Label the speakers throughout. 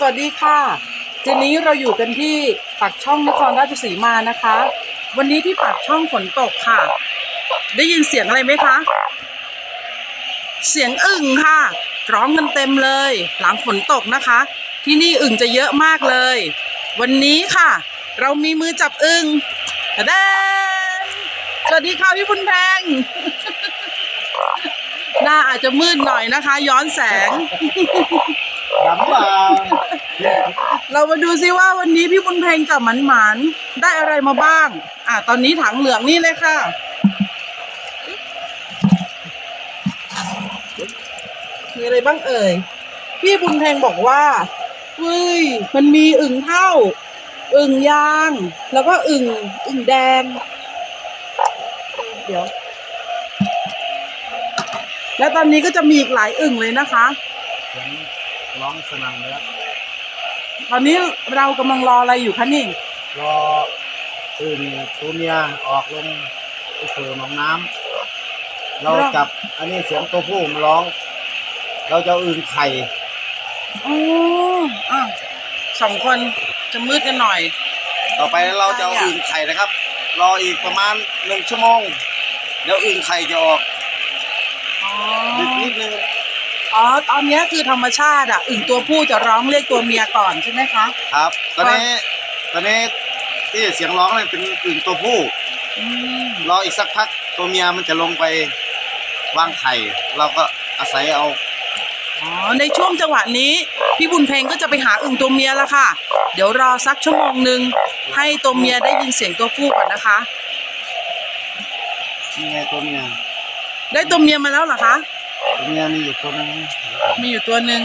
Speaker 1: สวัสดีค่ะทีนี้เราอยู่กันที่ปากช่องนครราชสีมานะคะ วันนี้ที่ปากช่องฝนตกค่ะ ได้ยินเสียงอะไรไหมคะ เสียงอึ่งค่ะร้องกันเต็มเลยหลังฝนตกนะคะ ที่นี่อึ่งจะเยอะมากเลย วันนี้ค่ะ เรามีมือจับอึ่งแดนสวัสดีค่ะพี่บุญแพง หน้าอาจจะมืดหน่อยนะคะ ย้อนแสง
Speaker 2: ดำเปล่า
Speaker 1: เรามาดูซิว่าวันนี้พี่บุญเพลงกับหมันได้อะไรมาบ้างตอนนี้ถังเหลืองนี่เลยค่ะมีอะไรบ้างเอ่ยพี่บุญเพลงบอกว่าเฮ้ยมันมีอึ่งเท่าอึ่งยางแล้วก็อึ่งแดงเดี๋ยวแล้วตอนนี้ก็จะมีอีกหลายอึ่งเลยนะคะ
Speaker 2: เสียงร้องสนั่นเลยครับ
Speaker 1: ตอนนี้เรากำลังรออะไรอยู่คะนี่
Speaker 2: รออึ่งตัวเมียออกลงไปสู่หนองน้ำเราจับอันนี้เสียงตัวผู้มันร้องเราจะอึ่งไข่
Speaker 1: สองคนจะมืดกันหน่อย
Speaker 2: ต่อไปเราจะเอาอึ่งไข่นะครับรออีกประมาณ1 ชั่วโมงเดี๋ยวอึ่งไข่จะออกดึกนิดนึง
Speaker 1: ตอนนี้คือธรรมชาติอึ่งตัวผู้จะร้องเรียกตัวเมียก่อนใช่ไหมคะ
Speaker 2: ครับตอนนี้ที่เสียงร้องเนี่ยเป็นอึ่งตัวผู้รออีกสักพักตัวเมียมันจะลงไปวางไข่เราก็อาศัยเอา
Speaker 1: ในช่วงจังหวะนี้พี่บุญเพลงก็จะไปหาอึ่งตัวเมียแล้วค่ะเดี๋ยวรอสักชั่วโมงหนึ่งให้ตัวเมียได้ยินเสียงตัวผู้ก่อนนะคะ
Speaker 2: นี่ไงตัวเมีย
Speaker 1: ได้ตัวเมียมาแล้วเหรอคะ
Speaker 2: ตัวเมียมีอยู่ตัวนึง
Speaker 1: มีอยู่ตัวหนึ่ง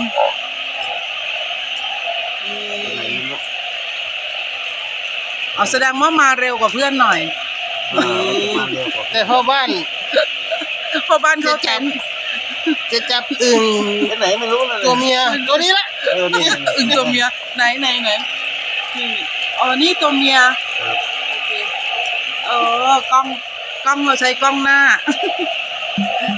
Speaker 1: แสดงว่ามาเร็วกว่าเพื่อนหน่อย
Speaker 2: แต่พ่อบ้าน
Speaker 1: เขา
Speaker 2: จะจับอึ่งไหนไม่รู้เลยตัวเมียตัวนี้ละ
Speaker 1: นี่อึ่งตัวเมียไหนนี่นี่ตัวเมียโอเคกล้องเราใช้กล้องหน้า